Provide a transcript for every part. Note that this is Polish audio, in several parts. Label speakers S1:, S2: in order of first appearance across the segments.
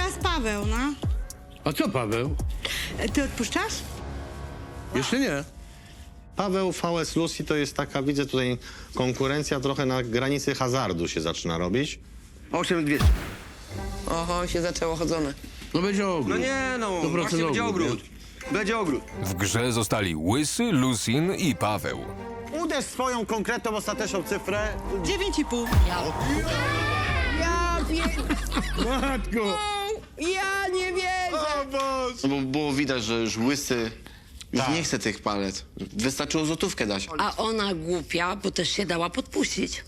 S1: teraz Paweł, no.
S2: A co Paweł?
S1: Ty odpuszczasz?
S2: Jeszcze nie.
S3: Paweł VS Lucy to jest taka, widzę tutaj, konkurencja trochę na granicy hazardu się zaczyna robić.
S4: 8200.
S5: Oho, się zaczęło chodzone.
S2: No będzie ogród.
S4: No nie, no,
S2: 100%
S4: właśnie będzie ogród. Będzie ogród.
S6: W grze zostali Łysy, Lusin i Paweł.
S3: Uderz swoją konkretną, ostateczną cyfrę.
S1: 9,5.
S2: Matko!
S5: Ja nie wierzę!
S7: No bo było widać, że już Łysy już nie chce tych palet. Wystarczyło złotówkę dać.
S8: A ona głupia, bo też się dała podpuścić.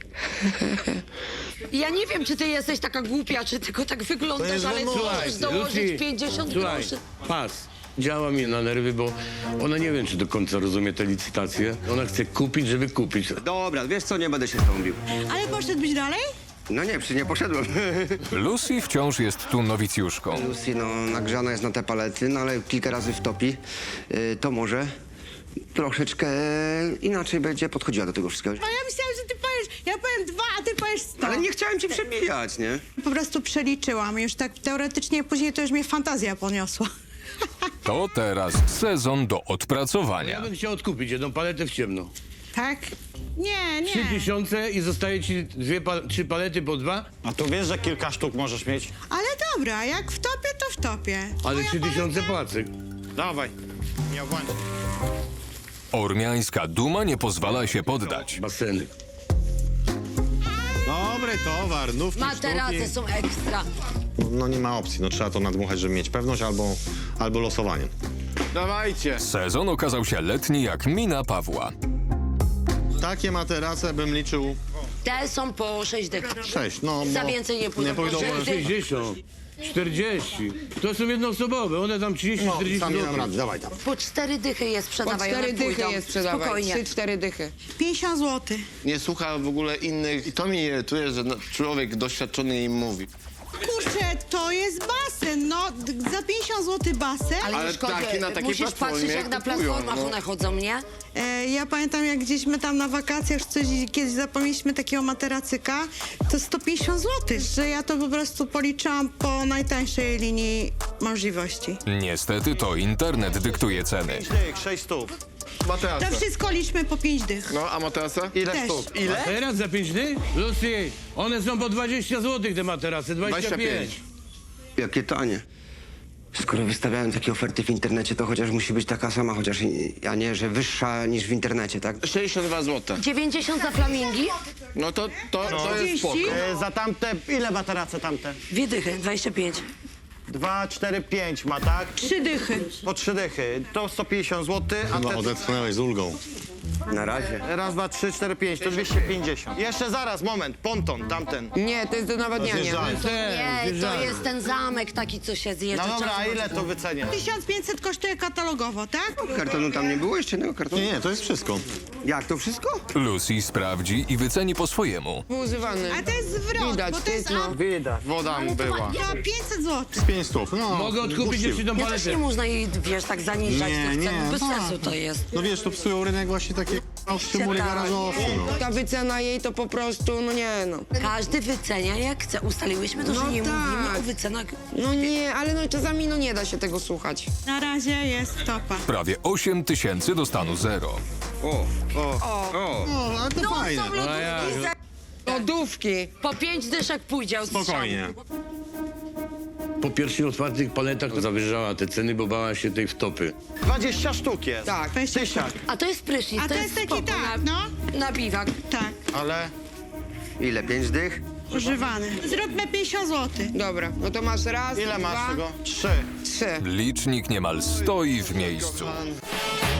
S8: Ja nie wiem, czy ty jesteś taka głupia, czy tylko tak wyglądasz, ale chcesz dołożyć 50
S2: słuchaj,
S8: groszy.
S2: pas. Działa mi na nerwy, bo ona nie wiem, czy do końca rozumie te licytacje. Ona chce kupić, żeby kupić.
S4: Dobra, wiesz co, nie będę się z tobą bił.
S1: Ale poszedłbyś dalej?
S4: No nie, nie poszedłem.
S6: Lucy wciąż jest tu nowicjuszką.
S4: Lucy, no, nagrzana jest na te palety, no ale kilka razy wtopi. To może troszeczkę inaczej będzie podchodziła do tego wszystkiego.
S1: No ja myślałam, że ty powiesz, ja powiem 2, a ty powiesz 100.
S4: Ale nie chciałem cię przebijać, nie?
S1: Po prostu przeliczyłam już tak teoretycznie, później to już mnie fantazja poniosła.
S6: To teraz sezon do
S2: Ja
S6: odpracowania.
S2: bym chciał odkupić jedną paletę w ciemno.
S1: Tak? Nie, nie.
S2: 3000 i zostaje ci 3 palety po 2,
S3: A tu wiesz, że kilka sztuk możesz mieć?
S1: Ale dobra, jak wtopię, to wtopię.
S2: ale
S1: Moja
S2: 3000
S1: paleta-
S2: płacę.
S3: Dawaj. Nie obłądź.
S6: Ormiańska duma nie pozwala się poddać.
S2: Baseny.
S3: Dobry towar, nówki,
S8: Materace
S3: sztuki.
S8: są ekstra.
S3: No nie ma opcji, no trzeba to nadmuchać, żeby mieć pewność, albo losowanie.
S7: Dawajcie.
S6: Sezon okazał się letni jak mina Pawła.
S3: Takie materace bym liczył
S8: Te są po 6 dych.
S3: 6, no
S8: Za
S3: bo
S8: więcej nie pójdą.
S3: nie pójdą,
S8: Po
S3: bo
S2: 60, 40. To są jednoosobowe, one tam 30,
S3: no,
S2: 40
S3: sam nie dam
S2: zł.
S3: rady, dawaj tam.
S8: Po 4 dychy je
S5: Po
S8: sprzedawaj,
S5: 4
S8: one
S5: dychy
S8: pójdą.
S5: je sprzedawaj.
S8: Spokojnie.
S5: 3-4 dychy.
S1: 50 zł.
S7: Nie słucha w ogóle innych. I to mnie irytuje, że człowiek doświadczony im mówi.
S1: Kurczę, to jest basen, no za 50 zł basen.
S7: Ale
S8: nie szkodzi,
S7: taki- na takiej
S8: musisz
S7: platformie
S8: patrzeć, jak na
S7: kupują,
S8: platformach
S7: no.
S8: one chodzą, nie?
S1: Ja pamiętam, jak gdzieś my tam na wakacjach coś kiedyś zapomnieliśmy takiego materacyka, to 150 zł, że ja to po prostu policzyłam po najtańszej linii możliwości.
S6: Niestety to internet dyktuje ceny.
S3: 6 stóp.
S1: To wszystko liczmy po 5 dych.
S7: No, a materasa? Ile
S1: Też.
S7: sztuk?
S2: A
S7: Ile?
S2: teraz za 5 dych? Lucy, one są po 20 zł te materace, 25.
S4: Jakie tanie. Skoro wystawiałem takie oferty w internecie, to chociaż musi być taka sama, chociaż a nie, że wyższa niż w internecie, tak?
S7: 62 zł.
S8: 90 za flamingi,
S7: No to jest spoko.
S3: Za tamte, ile materace tamte?
S8: 2 dychy, 25.
S3: 2, 4, 5 ma, tak?
S1: 3 dychy.
S3: Po 3 dychy. To 150 zł, a te... odetchnąłeś z ulgą.
S4: Na razie.
S3: Raz, 2, 3, 4, 5, to 250. Jeszcze zaraz, moment, ponton, tamten.
S5: Nie, to jest do nawadniania.
S3: Zjeżdżaj.
S8: Nie, to jest ten zamek taki, co się zjeżdża.
S3: No dobra, a
S8: czasem.
S3: ile to wycenię?
S1: 1500 kosztuje katalogowo, tak?
S4: Kartonu tam nie było? Jeszcze jednego kartonu?
S3: Nie, to jest wszystko.
S4: Jak, to wszystko?
S6: Lucy sprawdzi i wyceni po swojemu.
S5: Był używany.
S1: A to jest zwrot,
S5: Widać,
S1: bo to jest
S5: no.
S7: Woda była.
S1: za 500 zł.
S3: 5 stów, no.
S2: Mogę odkupić jeszcze tą
S8: Ja też
S2: paletę.
S8: nie można jej, wiesz, tak zaniżać
S3: Nie,
S8: tych
S3: nie,
S8: cen. Bez
S3: tak.
S8: sensu to jest.
S3: No wiesz, to psują rynek właśnie takie szczymury garażowce, no.
S5: Ta wycena jej to po prostu, no nie no.
S8: Każdy wycenia jak chce. Ustaliłyśmy to, że
S5: No
S8: nie
S5: tak.
S8: mówimy o wycenach.
S5: No nie, ale no czasami no nie da się tego słuchać.
S1: Na razie jest topa.
S6: Prawie 8 tysięcy do stanu zero.
S3: No, ale to fajne.
S8: Są lodówki za...
S5: Lodówki.
S8: Po 5 dyszek pójdzie od
S3: Spokojnie.
S2: Po pierwszych otwartych paletach zawyżała te ceny, bo bała się tej wtopy.
S3: 20 sztuk jest.
S5: Tak.
S3: Tysiak.
S8: A to jest prysznic,
S1: A to jest taki
S8: spoko
S1: tak,
S8: na,
S1: no.
S8: na biwak.
S1: Tak,
S3: Ale
S4: Ile? 5 dych?
S1: używany. Zróbmy 50 zł.
S5: Dobra, no to masz raz,
S3: ile
S5: dwa,
S3: masz tego? 3.
S5: 3.
S6: Licznik niemal stoi w miejscu.